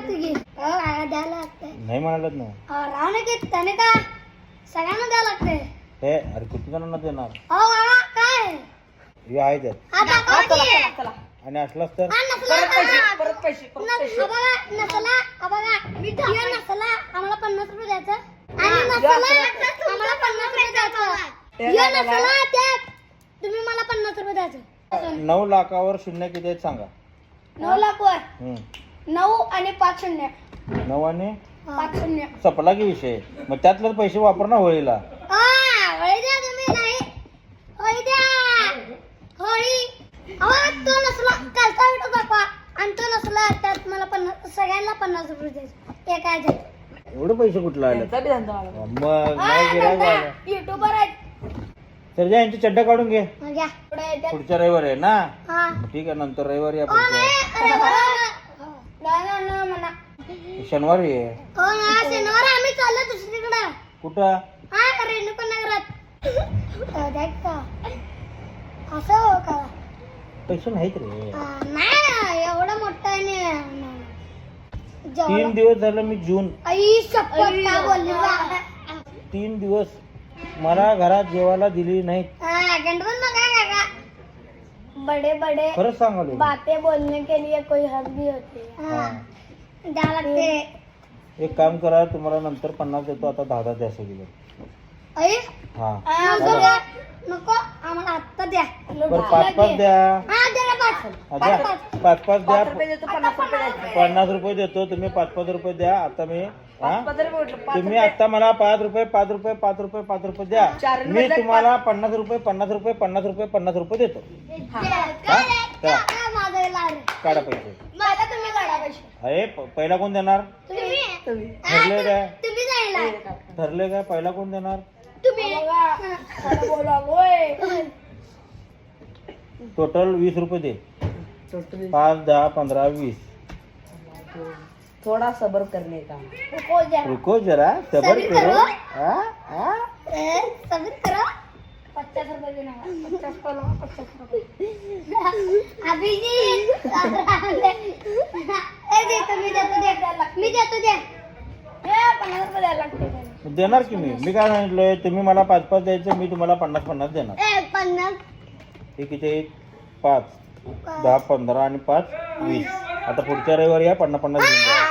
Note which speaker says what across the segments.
Speaker 1: लागते की द्यायला लागते
Speaker 2: नाही म्हणालच ना.
Speaker 1: राव ना की त्याने का सगळ्यांना द्यायला लागते.
Speaker 2: हे अरे किती जणांना देणार?
Speaker 1: काय
Speaker 2: हे आहे त्यात.
Speaker 3: चला
Speaker 2: आणि असलाच तर
Speaker 3: परत पैसे
Speaker 1: आम्हाला 50 रुपये द्यायचं आणि आम्हाला 50 रुपये द्यायचं. त्यात तुम्ही मला 50 रुपये द्यायचं.
Speaker 2: 9 लाखावर शून्य किती आहेत सांगा.
Speaker 1: 9 लाख वर
Speaker 2: 9
Speaker 1: 9 आणि 5 शून्य
Speaker 2: आणि
Speaker 1: 5 शून्य
Speaker 2: सपला की विषय. मग त्यातलं पैसे वापरणं होळीला.
Speaker 1: होळी द्या तुम्ही. नाही होळी द्या. होळी तो नसला कालचा व्हिडिओ दाखवा आणि तो नसला त्यात मला 50 सगळ्यांना 50 रुपये द्यायचे. ते काय झालं
Speaker 2: एवढे पैसे कुठला आले? मग नाही गिऱ्हाईक आलं.
Speaker 1: युट्यूबर आहेत.
Speaker 2: तर जा यांची चड्डा काढून घे.
Speaker 1: घ्या पुढे येतात.
Speaker 2: पुढच्या रविवारी आहे ना.
Speaker 1: हा
Speaker 2: ठीक आहे नंतर रविवारी या
Speaker 1: नाही म्हणा.
Speaker 2: शनिवारी आहे.
Speaker 1: हो ना शनिवार आम्ही चाललो दुसरीकडे.
Speaker 2: कुठं?
Speaker 1: हा रेणुका नगरात. देख का असं हो का?
Speaker 2: पैसे नाहीत रे.
Speaker 1: नाही एवढं मोठं नाही.
Speaker 2: 3 दिवस झालं मी जून.
Speaker 1: आई शपथ काय बोलली बा.
Speaker 2: 3 दिवस मला घरात जेवायला दिली नाहीत.
Speaker 1: गंडवून बघा काका. बडे बडे
Speaker 2: खरंच सांगालो.
Speaker 1: बातें बोलने के लिए कोई हद भी होती है. द्या लागते.
Speaker 2: एक काम करा तुम्हाला नंतर 50 देतो. आता 10 द्या सगळी.
Speaker 1: आई
Speaker 2: हा
Speaker 1: नको आम्हाला आत्ता द्या.
Speaker 2: बरं 5 द्या.
Speaker 1: हा द्या ना 5.
Speaker 2: 5 द्या.
Speaker 3: 50
Speaker 2: रुपये देतो. तुम्ही 5 रुपये द्या. आता मी
Speaker 3: रुपये
Speaker 2: तुम्ही आता मला 5 रुपये द्या. मी तुम्हाला 50 रुपये देतो. काढा पैसे.
Speaker 1: तुम्ही काढा पैसे.
Speaker 2: अरे पहिला कोण देणार? ठरले काय?
Speaker 1: तुम्ही जायला
Speaker 2: ठरले काय? पहिला कोण देणार?
Speaker 1: तुम्ही
Speaker 2: टोटल 20 रुपये दे. 5, 10, 15, 20.
Speaker 3: थोड़ा सबर करने का.
Speaker 2: रुको जरा सबर करो.
Speaker 1: सब्र करो. 50 रुपये देना. 50 रुपये. अभिजीत मी देतो दे. 50 रुपये द्यायला लागते.
Speaker 2: देणार की मी काय सांगितलंय? तुम्ही मला 5 द्यायचं. मी तुम्हाला 50 देणार.
Speaker 1: 50
Speaker 2: हे किती? 5, 10, 15 आणि 5, 20. आता पुढच्या रविवारी या 50 घेऊन जा.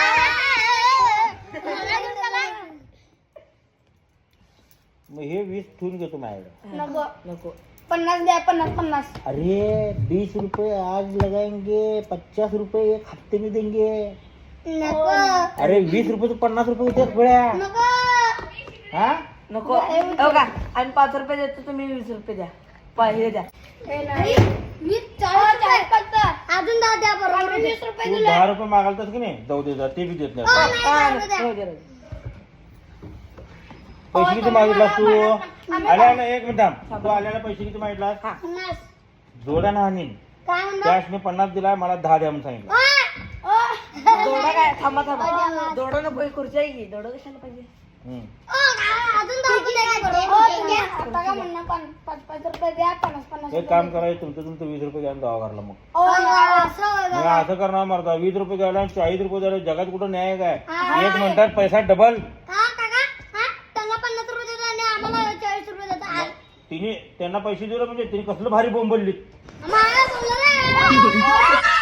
Speaker 2: मग हे 20 ठेवून घेतो माझ्याकडे.
Speaker 3: नको
Speaker 1: 50 द्या. 50.
Speaker 2: अरे 20 रुपये आज लगाएंगे. 50 रुपये एक हफ्ते में देंगे.
Speaker 1: नको
Speaker 2: अरे 20 रुपये तो 50 रुपये होते गोळ्या.
Speaker 1: नको
Speaker 2: हा
Speaker 3: नको हो का. आणि 5 रुपये देतो. तुम्ही 20 रुपये द्या. हे द्या.
Speaker 1: मी 40 फक्त अजून 10 द्या. बरोबर 20 रुपये
Speaker 2: तू 10 रुपये मागालतास की नाही? जाऊ दे जा. ते बी देत नाही. पैसे किती मागितलास तू? आल्या ना 1 मिनिट थांब. तू आल्याला पैसे किती मागितलास?
Speaker 1: 50.
Speaker 2: जोडा ना हानीन.
Speaker 1: काय म्हणतो?
Speaker 2: कॅश मी 50 दिलाय. मला 10 द्या म्हणून सांगितलं.
Speaker 3: दोडा काय? थांबा दोडा नको. खुर्ची आहे की दोडा कशाला पाहिजे?
Speaker 1: अजून 10 द्या. आता का म्हणणं 5 रुपये द्या. 50
Speaker 2: एक काम करायचं तुमचं 20 रुपये घ्या दवा घरला. मग
Speaker 1: असं
Speaker 2: मी असं करणार मरता. 20 रुपये घ्यायला 40 रुपये द्यायला जगात कुठं न्याय काय? 1 मिनिटात पैसा डबल.
Speaker 1: त्यांना 50 रुपये देतो आणि आम्हाला 40 रुपये देतो.
Speaker 2: तिने त्यांना पैसे दिले म्हणजे तिने कसलं भारी बोंबलली.
Speaker 1: मला बोललं रे.